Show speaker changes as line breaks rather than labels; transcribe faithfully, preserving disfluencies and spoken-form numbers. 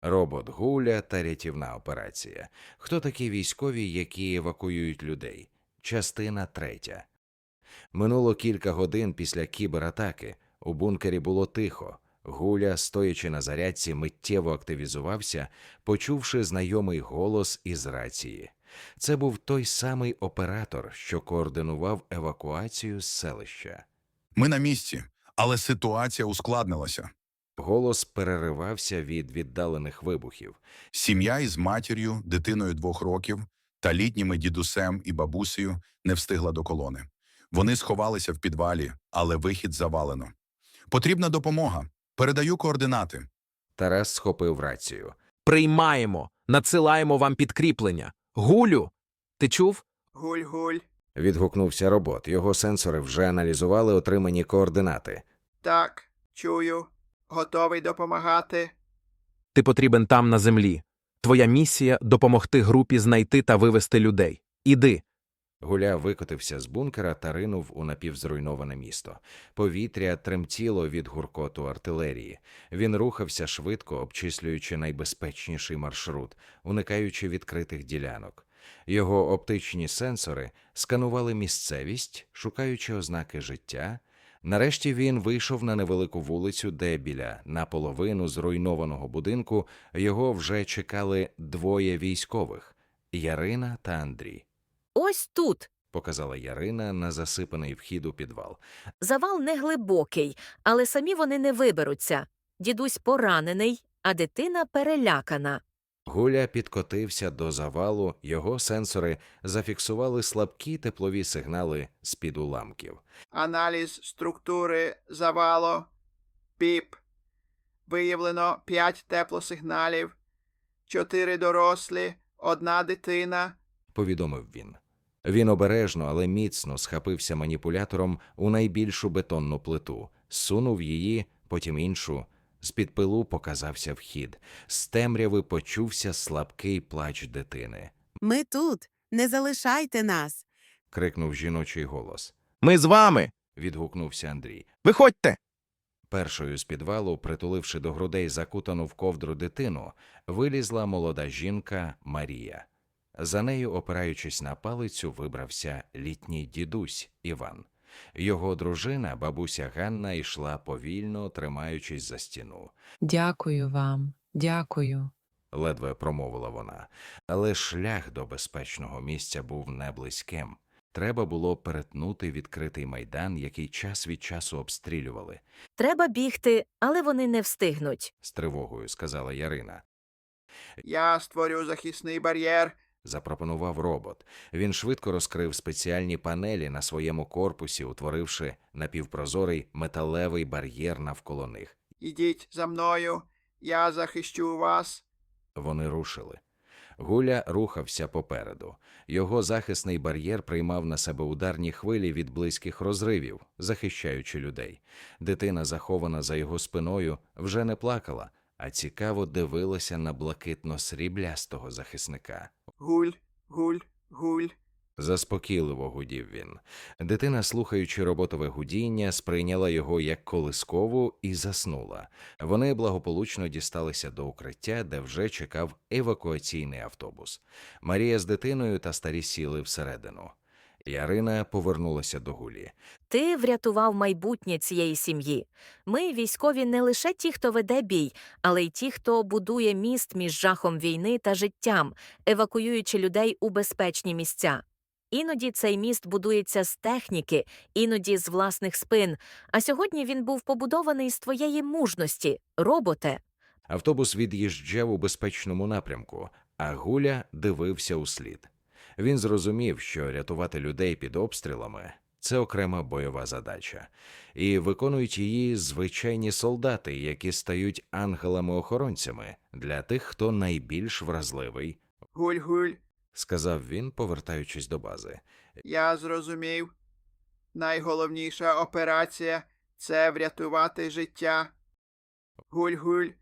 Робот Гуля та рятівна операція. Хто такі військові, які евакуюють людей? Частина третя. Минуло кілька годин після кібератаки. У бункері було тихо. Гуля, стоячи на зарядці, миттєво активізувався, почувши знайомий голос із рації. Це був той самий оператор, що координував евакуацію з селища.
Ми на місці, але ситуація ускладнилася.
Голос переривався від віддалених вибухів.
Сім'я із матір'ю, дитиною двох років та літніми дідусем і бабусею не встигла до колони. Вони сховалися в підвалі, але вихід завалено. Потрібна допомога. Передаю координати.
Тарас схопив рацію.
Приймаємо, надсилаємо вам підкріплення. Гулю, ти чув?
Гуль-гуль.
Відгукнувся робот. Його сенсори вже аналізували отримані координати.
Так, чую. Готовий допомагати.
Ти потрібен там на землі. Твоя місія – допомогти групі знайти та вивести людей. Іди.
Гуля викотився з бункера та ринув у напівзруйноване місто. Повітря тремтіло від гуркоту артилерії. Він рухався швидко, обчислюючи найбезпечніший маршрут, уникаючи відкритих ділянок. Його оптичні сенсори сканували місцевість, шукаючи ознаки життя. Нарешті він вийшов на невелику вулицю, де біля наполовину зруйнованого будинку його вже чекали двоє військових – Ярина та Андрій.
Ось тут.
Показала Ярина на засипаний вхід у підвал.
Завал не глибокий, але самі вони не виберуться. Дідусь поранений, а дитина перелякана.
Гуля підкотився до завалу, його сенсори зафіксували слабкі теплові сигнали з-під уламків.
Аналіз структури завалу. Піп. Виявлено п'ять теплосигналів. Чотири дорослі, одна дитина.
Повідомив він. Він обережно, але міцно схапився маніпулятором у найбільшу бетонну плиту, сунув її, потім іншу. З-під пилу показався вхід. З темряви почувся слабкий плач дитини.
«Ми тут! Не залишайте нас!»
– крикнув жіночий голос.
Ми з вами!
– відгукнувся Андрій.
Виходьте!
Першою з підвалу, притуливши до грудей закутану в ковдру дитину, вилізла молода жінка Марія. За нею, опираючись на палицю, вибрався літній дідусь Іван. Його дружина, бабуся Ганна, йшла повільно, тримаючись за стіну.
«Дякую вам, дякую».
Ледве промовила вона. Але шлях до безпечного місця був неблизьким. Треба було перетнути відкритий майдан, який час від часу обстрілювали.
Треба бігти, але вони не встигнуть.
З тривогою сказала Ярина.
Я створю захисний бар'єр.
Запропонував робот. Він швидко розкрив спеціальні панелі на своєму корпусі, утворивши напівпрозорий металевий бар'єр навколо них.
Ідіть за мною. Я захищу вас.
Вони рушили. Гуля рухався попереду. Його захисний бар'єр приймав на себе ударні хвилі від близьких розривів, захищаючи людей. Дитина, захована за його спиною, вже не плакала, а цікаво дивилася на блакитно-сріблястого захисника.
Гуль, гуль, гуль.
Заспокійливо гудів він. Дитина, слухаючи роботове гудіння, сприйняла його як колискову і заснула. Вони благополучно дісталися до укриття, де вже чекав евакуаційний автобус. Марія з дитиною та старі сіли всередину. Ярина повернулася до Гулі.
Ти врятував майбутнє цієї сім'ї. Ми, військові, не лише ті, хто веде бій, але й ті, хто будує міст між жахом війни та життям, евакуюючи людей у безпечні місця. Іноді цей міст будується з техніки, іноді з власних спин, а сьогодні він був побудований з твоєї мужності, роботе.
Автобус від'їжджав у безпечному напрямку, а Гуля дивився услід. Він зрозумів, що рятувати людей під обстрілами – це окрема бойова задача. І виконують її звичайні солдати, які стають ангелами-охоронцями для тих, хто найбільш вразливий,
Гуль, гуль.
сказав він, повертаючись до бази.
Я зрозумів. Найголовніша операція – це врятувати життя. Гуль, гуль.